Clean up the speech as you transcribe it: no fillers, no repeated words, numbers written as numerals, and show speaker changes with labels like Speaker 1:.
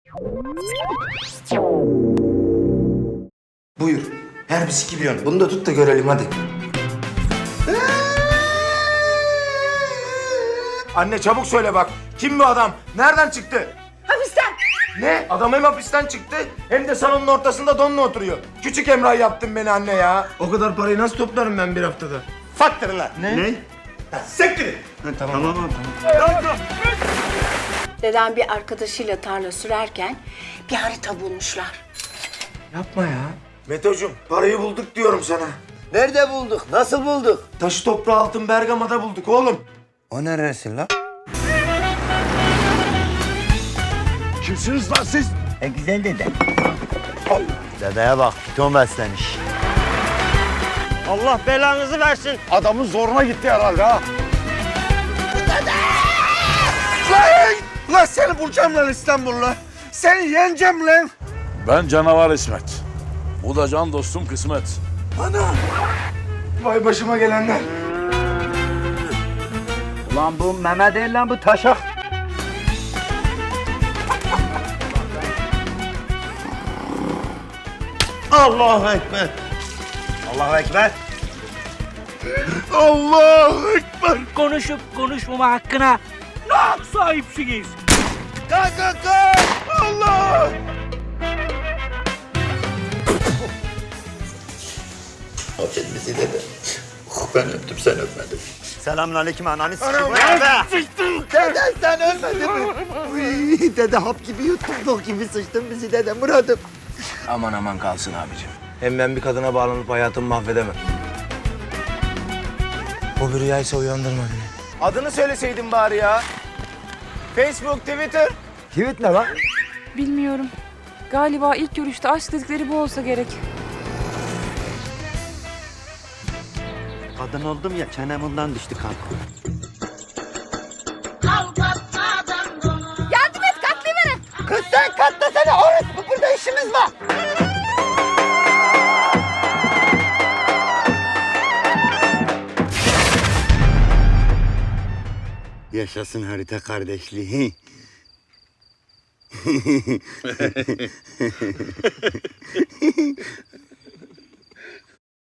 Speaker 1: Buyur. Her bir sikiliyon. Bunu da tut da görelim hadi. Anne çabuk söyle bak. Kim bu adam? Nereden çıktı?
Speaker 2: Hapisten.
Speaker 1: Ne? Adam hem hapisten çıktı hem de salonun ortasında donla oturuyor. Küçük Emrah yaptın beni anne ya. O kadar parayı nasıl toplarım ben bir haftada? Faktır lan.
Speaker 3: Ne?
Speaker 1: Sektir.
Speaker 3: Tamam abi.
Speaker 2: Dedem bir arkadaşıyla tarla sürerken bir harita bulmuşlar.
Speaker 1: Yapma ya. Meto'cum parayı bulduk diyorum sana.
Speaker 4: Nerede bulduk? Nasıl bulduk?
Speaker 1: Taşı toprağı altın Bergama'da bulduk oğlum.
Speaker 4: O neresi lan?
Speaker 3: Kimsiniz lan siz?
Speaker 4: Güzel dede. Dedeye bak, piton beslemiş.
Speaker 5: Allah belanızı versin.
Speaker 3: Adamın zoruna gitti herhalde ha.
Speaker 4: Lan seni bulacağım lan İstanbul'la. Seni yeneceğim lan.
Speaker 6: Ben canavar İsmet. Bu da can dostum kısmet.
Speaker 1: Vay başıma gelenler.
Speaker 4: Ulan bu meme değil lan bu taşak. Allahu Ekber. Allahu Ekber.
Speaker 3: Allahu Ekber.
Speaker 5: Konuşup konuşmama hakkına ne sahipsiniz?
Speaker 4: Kalk kalk kalk. Allah.
Speaker 7: Affet bizi dede. Ben öptüm sen öpmedin.
Speaker 4: Selamünaleyküm ananı sikeyim. Dede sen ölmedin mi? Uy, dede hap gibi yuttun, bok gibi sıçtın bizi dede Murat'ım.
Speaker 1: Aman aman kalsın abicim. Hem ben bir kadına bağlanıp hayatımı mahvedemem. O bir rüyaysa uyandırma beni. Adını söyleseydin bari ya. Facebook, Twitter.
Speaker 4: Tweet ne lan?
Speaker 8: Bilmiyorum. Galiba ilk görüşte aşk dedikleri bu olsa gerek.
Speaker 4: Kadın oldum ya çenem ondan düştü kanka.
Speaker 8: Yardım et, katlayıverin.
Speaker 4: Kız sen katlasana orospu, burada işimiz var. Yaşasın harita kardeşliği.